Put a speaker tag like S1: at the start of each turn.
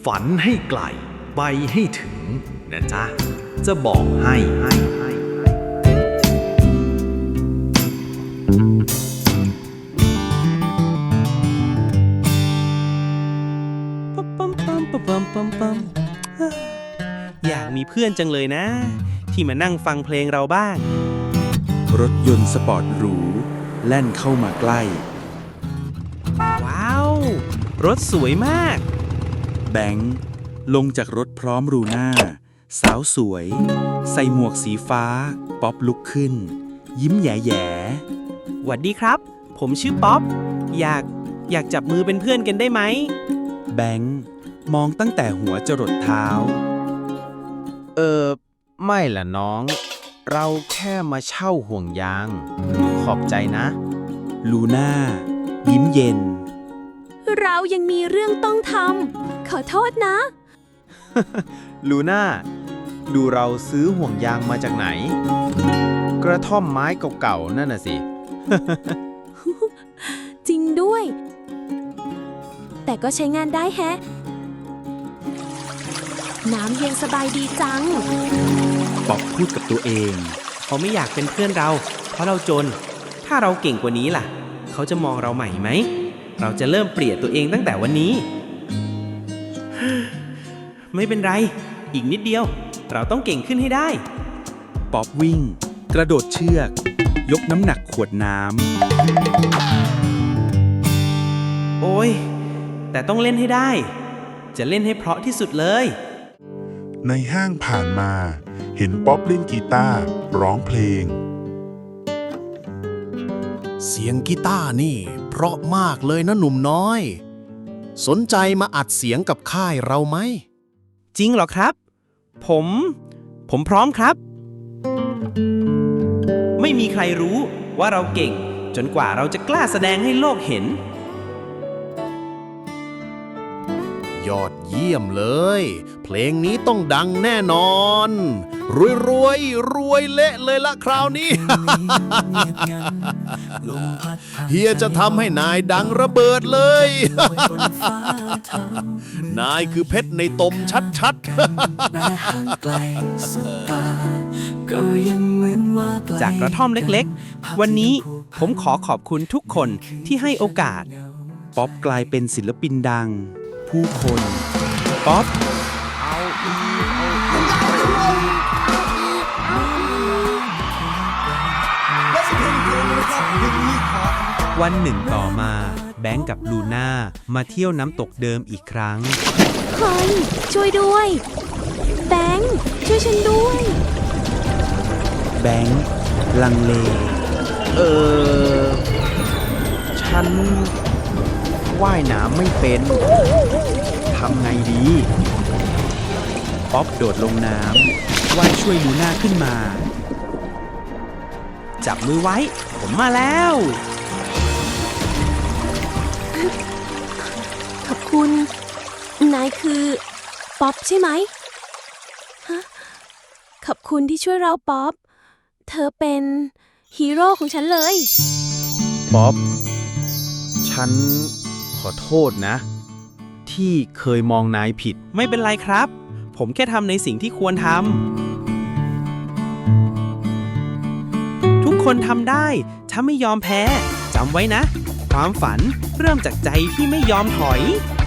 S1: ฝันให้ไกลไปให้ถึงนะจ๊ะจะบอกให้
S2: อยากมีเพื่อนจังเลยนะ ที่มานั่งฟังเพลงเราบ้าง
S3: รถยนต์สปอร์ตหรูแล่นเข้ามาใกล้
S2: ว้าว รถสวยมาก
S3: แบงค์ลงจากรถพร้อมรูน่าสาวสวย ใส่หมวกสีฟ้า ป๊อปลุกขึ้น ยิ้มแย่
S2: หวัดดีครับ ผมชื่อป๊อป อยากจับมือเป็นเพื่อนกันได้ไหม
S3: แบงค์มองตั้งแต่หัวจรดเท้า
S4: ไม่ล่ะน้อง เราแค่มาเช่าห่วงยาง ขอบใจนะ
S3: ลูน่ายิ้มเย็น
S5: เรายังมีเรื่องต้องทำ ขอโทษนะ
S4: ลูน่า ดูเราซื้อห่วงยางมาจากไหน กระท่อมไม้เก่าๆนั่นน่ะสิ
S5: จริงด้วย แต่ก็ใช้งานได้แฮะ น้ำเย็นสบายดีจัง
S3: ป๊อปพูดกับตัวเอง
S2: เขาไม่อยากเป็นเพื่อนเรา เพราะเราจน ถ้าเราเก่งกว่านี้ล่ะ เขาจะมองเราใหม่ไหม เราจะเริ่มเปลี่ยนตัวเองตั้งแต่วันนี้ ไม่เป็นไร อีกนิดเดียว เราต้องเก่งขึ้นให้ได้
S3: ป๊อปวิ่ง กระโดดเชือก ยกน้ำหนักขวดน้
S2: โอ้ย แต่ต้องเล่นให้ได้ จะเล่นให้เพราะที่สุดเลย
S6: ในห้างผ่านมาเห็นป๊อปเล่นกีตาร์ร้องเพลง
S7: เสียงกีตาร์นี่เพราะมากเลยนะหนุ่มน้อย สนใจมาอัดเสียงกับค่ายเราไหม
S2: จริงเหรอครับ ผมพร้อมครับ ไม่มีใครรู้ว่าเราเก่ง จนกว่าเราจะกล้าแสดงให้โลกเห็น
S7: ยอดเยี่ยมเลย เพลงนี้ต้องดังแน่นอน รวยเละเลยละคราวนี้ เฮียจะทำให้นายดังระเบิดเลย นายคือเพชรในตมชัดๆ
S2: จากกระท่อมเล็กๆ วันนี้ผมขอขอบคุณทุกคนที่ให้โอกาส
S3: ำป๊อปกลายเป็นศิลปินดัง ผู้คน
S2: ป๊อป วันหนึ่งต่อมาแบงก์กับลูน่ามาเที่ยวน้ำตกเดิมอีกครั้ง
S5: เฮ้ย ช่วยด้วย แบงค์ช่วยฉันด้วย
S3: แบงค์ลังเล
S4: ฉันว่ายน้ำไม่เป็น ทำไงดี
S3: ป๊อปโดดลงน้ำว่ายช่วยลูน่าขึ้นมา
S2: จับมือไว้ ผมมาแล้ว
S5: ขอบคุณ นายคือ ป๊อปใช่ไหมฮะขอบคุณที่ช่วยเราป๊อป เธอเป็นฮีโร่ของฉันเลย
S4: ป๊อป ฉันขอโทษนะ ที่เคยมองนายผิด
S2: ไม่เป็นไรครับ ผมแค่ทำในสิ่งที่ควรทำทุกคนทำได้ถ้าไม่ยอมแพ้จำไว้นะ ความฝันเริ่มจากใจที่ไม่ยอมถอย